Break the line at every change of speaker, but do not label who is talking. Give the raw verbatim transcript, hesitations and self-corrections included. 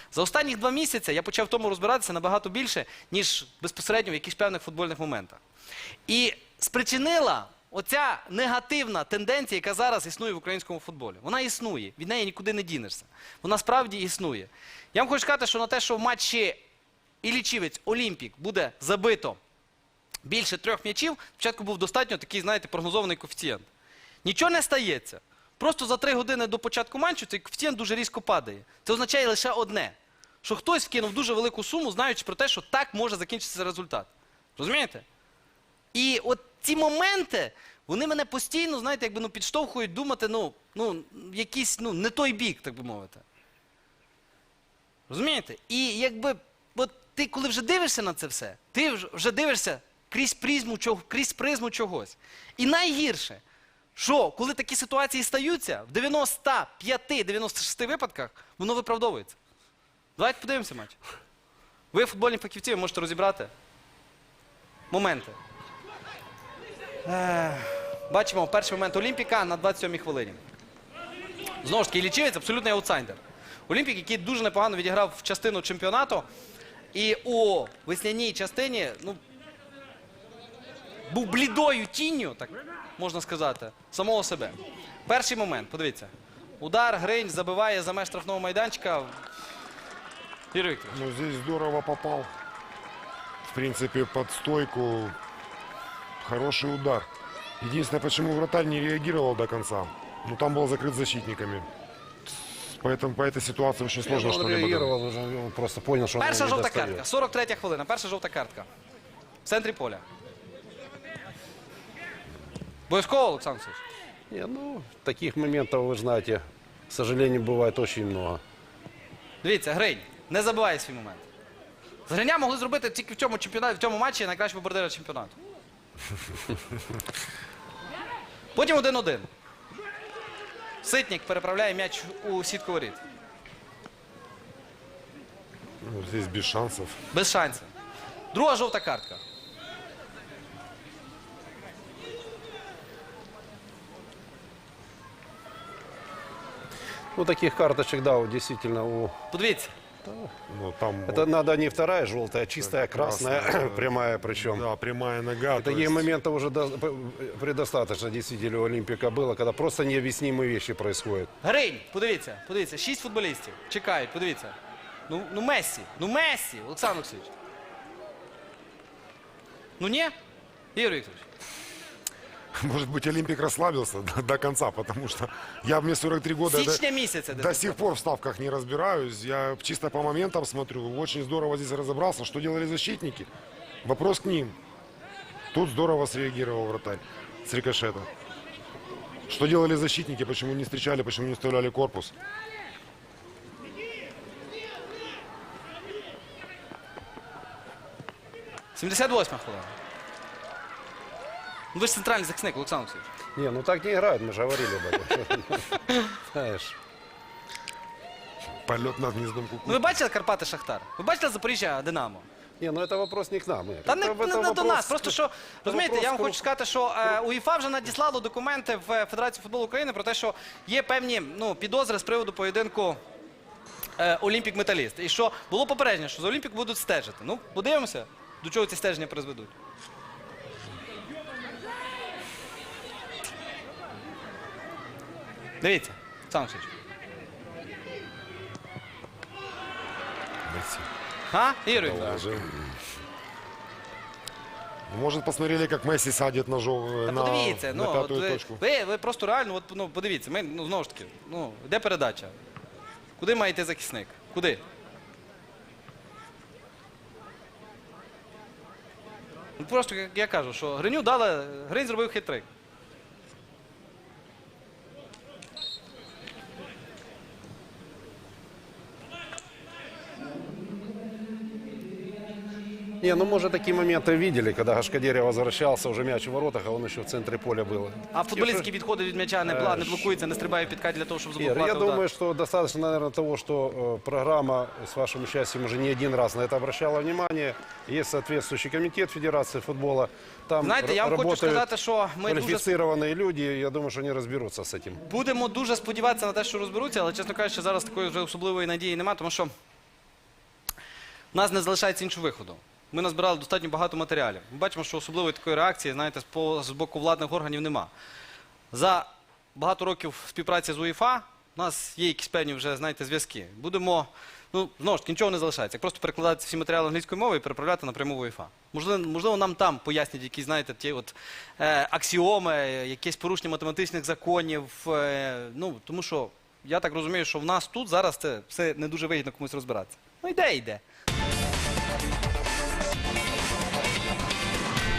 За останні два місяці я почав в тому розбиратися набагато більше, ніж безпосередньо в якихось певних футбольних моментах. І спричинила оця негативна тенденція, яка зараз існує в українському футболі. Вона існує, від неї нікуди не дінешся. Вона справді існує. Я вам хочу сказати, що на те, що в матчі Іллічівець Олімпік буде забито більше трьох м'ячів, спочатку був достатньо такий, знаєте, прогнозований коефіцієнт. Нічого не стається. Просто за три години до початку матчу цей коефіцієнт дуже різко падає. Це означає лише одне, що хтось вкинув дуже велику суму, знаючи про те, що так може закінчитися результат. Розумієте? І от ці моменти, вони мене постійно, знаєте, якби, ну, підштовхують думати, ну, ну, якийсь, ну, не той бік, так би мовити. Розумієте? І якби, от ти коли вже дивишся на це все, ти вже дивишся крізь призму, крізь призму чогось. І найгірше, що коли такі ситуації стаються, в дев'яноста п'яти - дев'яноста шести випадках воно виправдовується. Давайте подивимося матч. Ви, футбольні фахівці, ви можете розібрати моменти. Е, бачимо перший момент Олімпіка на двадцять сьомій хвилині. Знову ж таки, Іллічівець абсолютний аутсайдер. Олімпік, який дуже непогано відіграв в частину чемпіонату. І у весняній частині, ну, був блідою тінню, так можна сказати, самого себе. Перший момент, подивіться. Удар, Гринь забиває за меж штрафного майданчика. Юрій Вікторович.
Ну, здесь здорово попал. В принципе, под стойку. Хороший удар. Единственное, почему вратарь не реагировал до конца. Ну, там был закрыт защитниками. Поэтому по этой ситуации очень сложно что-либо.
Он реагировал, уже он просто понял, что он
Перша
не
жовта
достает.
картка. сорок третя хвилина. Перша жовта картка. В центрі поля. Обов'язково, Олександр Олексійович?
Не, ну, таких моментов, вы знаете, к сожалению, бывает очень много.
Дивіться, Гринь не забиває свій момент. З Гриня могли зробити тільки в цьому чемпіонаті, в цьому матчі найкращого бомбардира чемпіонату. Потім один-один. Ситник переправляє м'яч у сітку воріт.
Ну, здесь без шансов.
Без шансів. Друга жовта картка.
Ну, таких карточек, да, вот действительно, у...
Подивіться.
Ну, там
Это надо не вторая желтая, а чистая красная,
красная,
прямая причем.
да, прямая нога. то
Таких
есть-
моментов уже до- предостаточно действительно у Олимпика было, когда просто необъяснимые вещи происходят.
Гринь, подивіться, подивіться, шість футболістів. Чекають, подивіться. Ну, ну Мессі, ну Мессі, Олександр Олексійович. Ну ні? Ігор Вікторович.
Может быть, Олимпик расслабился до, до конца, потому что я мне сорок три года.
Січня
до-
місяця.
До сих пор в ставках не разбираюсь. Я чисто по моментам смотрю. Очень здорово здесь разобрался. Что делали защитники? Вопрос к ним. Тут здорово среагировал вратарь с рикошета. Что делали защитники? Почему не встречали? Почему не вставляли корпус?
сімдесят восьма хвилина. Ну ви ж центральний захисник, Олександр Олексійович.
Не, ну так не играют, мы же говорили об этом. Знаешь.
Полет над гнездом
Ну
куку.
ви бачили Карпати Шахтар? Ви бачили Запоріжжя Динамо?
Не, ну это вопрос не к нам. Игорь.
Та не,
Это-
не,
это
не до
вопрос-
нас. Просто що, розумієте, я вам
вопрос
хочу сказати, що е, УЄФА вже надіслало документи в Федерацію футболу України про те, що є певні, ну, підозри з приводу поєдинку е, Олімпік-Металіст. І що було попередження, що за Олімпік будуть стежити. Ну, подивимося, до чого ці стеження призведуть. Дивіться, Олександр Олексійович.
Месси.
А, Ігор Вікторович?
Положил. Может, посмотрели, как Месси садит ножом
Та
на,
подивіться,
на
ну, от
пятую
ви,
точку.
ви, ви просто реально, от, ну, подивіться, ми, ну, знову ж таки, ну, де передача? Куди має йти захисник? Куди? Ну, просто, як я кажу, що Гриню дали, Гринь зробив хитрик.
Не, ну мы же такие моменты видели, когда Гашкадерия возвращался, уже мяч в воротах, а он еще в центре поля был.
А футболістські відходи від м'яча не, бла- не блокуються, не стрибає в підкат для того, щоб
Ир,
заблокувати
я
удар.
думаю, что достаточно, наверное, того, что э, программа с вашим участием уже не один раз на это обращала внимание. Есть соответствующий комитет Федерации футбола. Там
Знаєте, я вам хочу
работают
сказати, що ми дуже
квалифицированные люди. Я думаю, что они разберутся с этим.
будемо дуже сподіватися на те, що розберуться, але, чесно кажучи, зараз такої вже особливої надії немає, тому що У нас не залишається іншого виходу. Ми назбирали достатньо багато матеріалів. Ми бачимо, що особливої такої реакції, знаєте, з по- з боку владних органів нема. За багато років співпраці з УЄФА у нас є якісь певні вже, знаєте, зв'язки. Будемо, ну, знову ж таки, нічого не залишається. Як просто перекладати всі матеріали англійською мовою і переправляти напряму в УЄФА. Можливо, можливо, нам там пояснять якісь, знаєте, ті от е, аксіоми, якесь порушення математичних законів. Е, ну, тому що я так розумію, що в нас тут зараз це все не дуже вигідно комусь розбиратися. Ну, йде, йде.